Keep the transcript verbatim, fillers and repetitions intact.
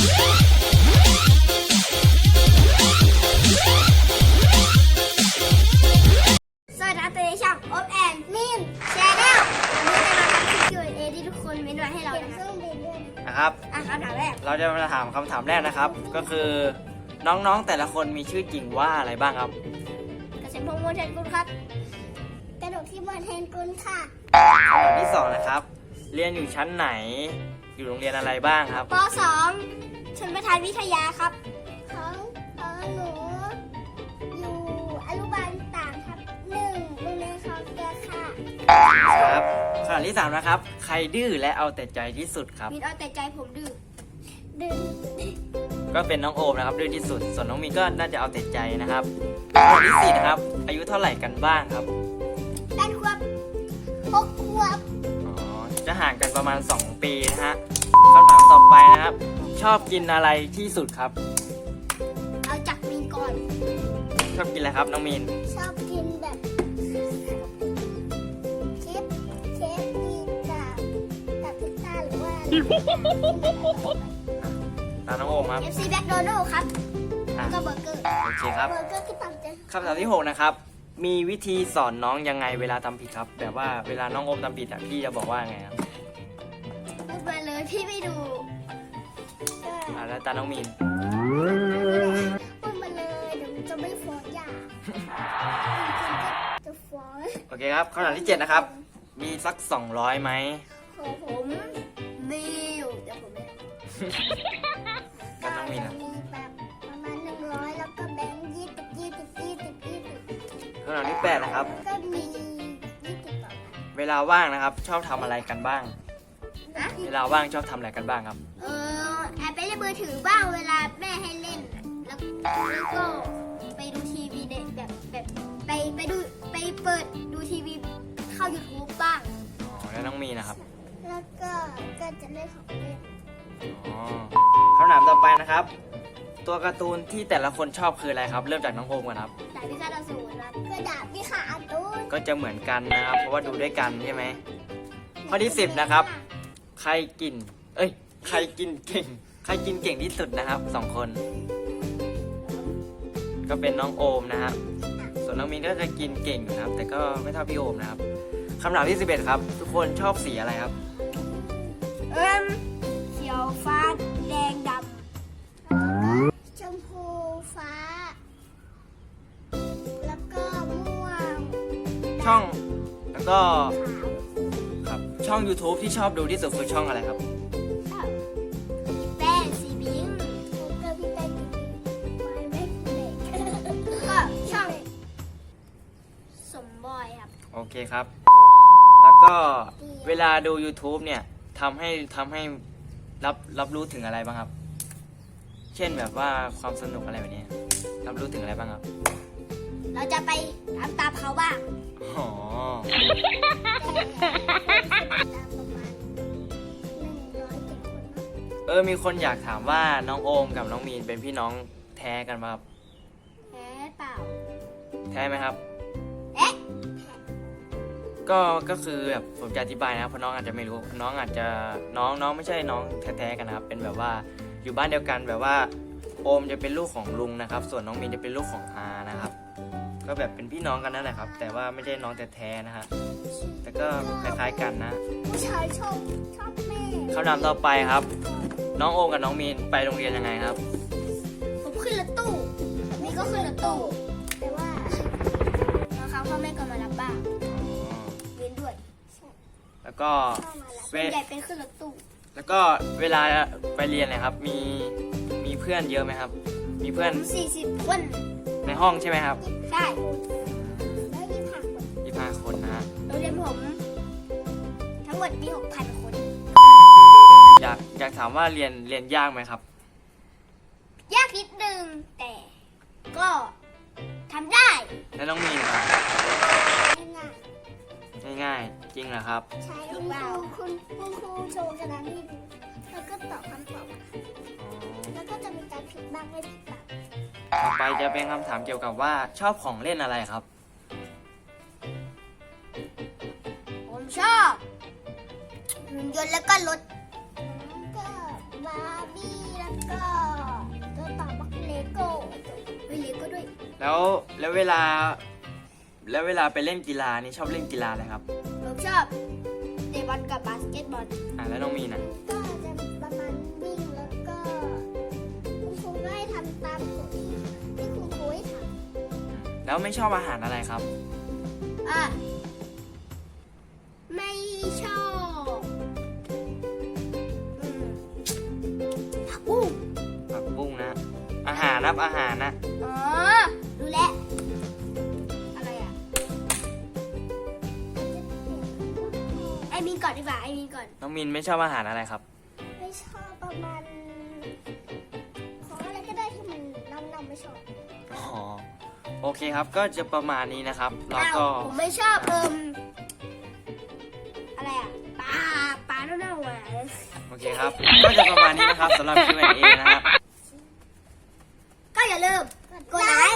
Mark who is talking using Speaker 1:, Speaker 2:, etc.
Speaker 1: สวัสดีครับตัวเองช่องโอ๊บแอนมิมแชร์แนลวันนี้จะมาทำคลิป คิว แอน เอ ที่ทุกคนเม้นต์ไว้ให้เรานะครับ
Speaker 2: นะครับ
Speaker 1: อ่ะคำถามแรก
Speaker 2: เราจะมาถามคำถามแรกนะครับ ก็คือน้องๆแต่ละคนมีชื่อจริงว่าอะไรบ้างครับ
Speaker 1: เกษมพงษ์มวลแทนกุลครับกระดกที่มวลแทนกุลค่ะ
Speaker 2: คำถามที่สองนะครับ เรียนอยู่ชั้นไหน อยู่โรงเรียนอะไรบ้างครับ
Speaker 1: ป สอง ชนประทานวิทยาครับของของหนูอยู่อนุบาลต่างครับหนึ่งโรงเรียนคลองเกลือค่ะ
Speaker 2: ครับคำถามที่สามนะครับ ใครดื้อและเอาแต่ใจที่สุดครับ
Speaker 1: มีเอาแต่ใจผมดื้อดื้อ
Speaker 2: ก็เป็นน้องโอมนะครับดื้อที่สุด ส่วนน้องมีนก็น่าจะเอาแต่ใจนะครับคำถามที่สี่นะครับ อายุเท่าไหร่กันบ้างครับ
Speaker 1: แปดขวบหกขวบ
Speaker 2: อ๋อ จะห่างกันประมาณสองปีนะฮะคำถามต่อไปนะครับ ชอบกินอะไรที่สุดครับ
Speaker 1: เอาจากมีนก่อน
Speaker 2: ชอบกินอะไรครับน้องมีน
Speaker 1: ชอบกินแบบชิปเชฟดีกับกับพิซซ่าหรือว่า
Speaker 2: ตามน้องโอมครับ
Speaker 1: เค เอฟ ซี แบ็คโดนัลด์ครับ
Speaker 2: อ่ะ
Speaker 1: แล้วก็เบอร์เกอร์
Speaker 2: โอเคครับ
Speaker 1: เบอร์เกอร์ที่ตามใจ
Speaker 2: คำถามที่หกนะครับ มีวิธีสอนน้องยังไงเวลาทำผิดครับ แบบว่าเวลาน้องโอมทำผิดอ่ะพี่จะบอกว่าไงครับ
Speaker 1: พูดมาเลยพี่ไม่ดูก็
Speaker 2: อ่าแล้วตาน้องมีน
Speaker 1: พูดมาเลยเดี๋ยวมันจะไม่ฟ้องหย่าจะฟ้อง
Speaker 2: โอเคครับคำถามที่เจ็ดนะครับ มีสักสองร้อยไหม
Speaker 1: ของผมมีอยู่เดี๋ยวผมไม่
Speaker 2: กันน้องมีน
Speaker 1: จะ
Speaker 2: อ่ะ
Speaker 1: มีแบบประมาณหนึ่งร้อยแล้วก็แบงค์ยี่สิบยี่สิบยี่สิบยี่สิบ
Speaker 2: คำถามที่แปดนะครับ
Speaker 1: ก็มียี่สิบต่อ
Speaker 2: เวลาว่างนะครับ ชอบทำอะไรกันบ้าง
Speaker 1: นะ
Speaker 2: เวลาว่างชอบทำอะไรกันบ้างครับ
Speaker 1: เออแอบไปเล่นมือถือบ้างเวลาแม่ให้เล่นน่ะแล้วแล้วก็ไปดูทีวีเด็กแบบแบบไปไปดูไปเปิดดูทีวีเข้า YouTube บ้าง
Speaker 2: อ๋อ แล้วน้องมีนนะครับ
Speaker 1: แล้วก็ก็จะเล่นของเล่น
Speaker 2: อ๋อคำถามต่อไปนะครับ ตัวการ์ตูนที่แต่ละคนชอบคืออะไรครับ เริ่มจากน้องโอมก่อนครับ
Speaker 1: ดาบพิฆาตอสูรครับก็ดาบพิฆาตอสูร
Speaker 2: ก็จะเหมือนกันนะครับ เพราะว่าดูด้วยกันใช่ไหม ข้อที่สิบนะครับ ใครกิน เอ้ย ใครกินเก่ง ใครกินเก่งที่สุดนะครับสองคน ก็เป็นน้องโอมนะครับ ส่วนน้องมินก็จะกินเก่งอยู่นะครับ แต่ก็ไม่เท่าพี่โอมนะครับคำถามที่สิบเอ็ดครับ ทุกคนชอบสีอะไรครับ
Speaker 1: เอิ่มเขียวฟ้าแดงดำชมพูฟ้า แล้วก็ม่วง
Speaker 2: ช่อง แล้วก็
Speaker 1: ขาว
Speaker 2: ครับ ช่อง YouTube ที่ชอบดูที่สุดคือช่องอะไรครับ
Speaker 1: พี่แป้งสีบิงก็พี่แป้งสีบิงไม่ไม่เด็กก็ช่องสมบอยครับ
Speaker 2: โอเคครับ แล้วก็เวลาดู YouTube เนี่ยทำให้ทำให้รับรับรู้ถึงอะไรบ้างครับ เช่นแบบว่าความสนุกอะไรแบบนี้รับรู้ถึงอะไรบ้างครับ
Speaker 1: เราจะไปตามตามเขาบ้าง
Speaker 2: อ๋อ เออ มีคนอยากถามว่าน้องโอมกับน้องมีนเป็นพี่น้องแท้กันไหมครับ
Speaker 1: แพ้เปล่า
Speaker 2: แท้ไหมครับ
Speaker 1: เอ๊ะ
Speaker 2: ก็ ก็คือแบบผมจะอธิบายนะครับเพราะน้องอาจจะไม่รู้ น้องอาจจะ น้องน้องไม่ใช่น้องแท้ๆกันนะครับ เป็นแบบว่าอยู่บ้านเดียวกันแบบว่าโอมจะเป็นลูกของลุงนะครับ ส่วนน้องมีนจะเป็นลูกของอานะครับ ก็แบบเป็นพี่น้องกันนั่นแหละครับ แต่ว่าไม่ใช่น้องแท้ๆนะฮะ แต่ก็คล้ายๆกันนะ
Speaker 1: ผู้ชายชอบชอบแม่
Speaker 2: คำถามต่อไปครับ น้องโอมกับน้องมีนไปโรงเรียนยังไงครับ
Speaker 1: ผมขึ้นรถตู้นี่ก็ขึ้นรถตู้ แต่ว่าบางครั้งพ่อแม่ก็มารับบ้าง
Speaker 2: อ๋อ
Speaker 1: เรียนด้วย
Speaker 2: แล้วก็
Speaker 1: พ่อมารับ
Speaker 2: เว
Speaker 1: ส่วนใหญ่เป็นขึ้นรถตู้
Speaker 2: แล้วก็เวลาไปเรียนนะครับ มีมีเพื่อนเยอะไหมครับ มีเพื่อน
Speaker 1: สี่สิบคน
Speaker 2: ในห้องใช่ไหมครับ
Speaker 1: ใช่แล้วยี่สิบห้าคน
Speaker 2: ยี่สิบห้าคนนะฮะ
Speaker 1: โรงเรียนผม ทั้งหมดมีหกพันคน
Speaker 2: อยากอยากถามว่าเรียนเรียนยากไหมครับ
Speaker 1: ยากนิดนึง แต่ก็ทำได้
Speaker 2: แล้วน้องมีนครับ
Speaker 1: ง่าย
Speaker 2: ง่ายๆ จริงเหรอครับ
Speaker 1: ใช่คุณครูคุณคุณครูโชว์กระดานให้ดูแล้วก็ตอบคำตอบ
Speaker 2: อ๋อ
Speaker 1: แล้วก็จะมีการผิดบ้างไม่ผิดบ้าง
Speaker 2: ต่อไปจะเป็นคำถามเกี่ยวกับว่าชอบของเล่นอะไรครับ
Speaker 1: ผมชอบหุ่นยนต์แล้วก็รถก็บาร์บี้แล้วก็
Speaker 2: แล้วแล้วเวลา แล้วเวลาไปเล่นกีฬานี่ชอบเล่นกีฬาอะไรครับ
Speaker 1: ผมชอบเตะบอลกับบาสเกตบอล
Speaker 2: อ่าแล้วน้องมีนอ่ะ
Speaker 1: ก็จะประมาณวิ่งแล้วก็คุณครูก็ให้ทำตามกฎที่ที่คุณครูให้ท
Speaker 2: แล้วไม่ชอบอาหารอะไรครับ
Speaker 1: ำอ่ะไม่ชอบอืมผักบุ้ง
Speaker 2: ผักบุ้งนะ อาหารนะอาหารนะ
Speaker 1: อ๋อรู้แล้วอะไรอ่ะไอมีนก่อนดีกว่าไอมีนก่อน
Speaker 2: น้องมีนไม่ชอบอาหารอะไรครับ
Speaker 1: ไม่ชอบประมาณของอะไรก็ได้ที่มันน้ำน้ำไม่ชอบ
Speaker 2: อ๋อ โอเคครับ ก็จะประมาณนี้นะครับ แล้วก็
Speaker 1: อ้าวผมไม่ชอบเอิมอะไรอ่ะปลาปลาเน่าๆอ่ะ
Speaker 2: โอเคครับ ก็จะประมาณนี้นะครับสำหรับ คิว แอนด์ เอ นะครับ
Speaker 1: ก็อย่าลืมกดไลค์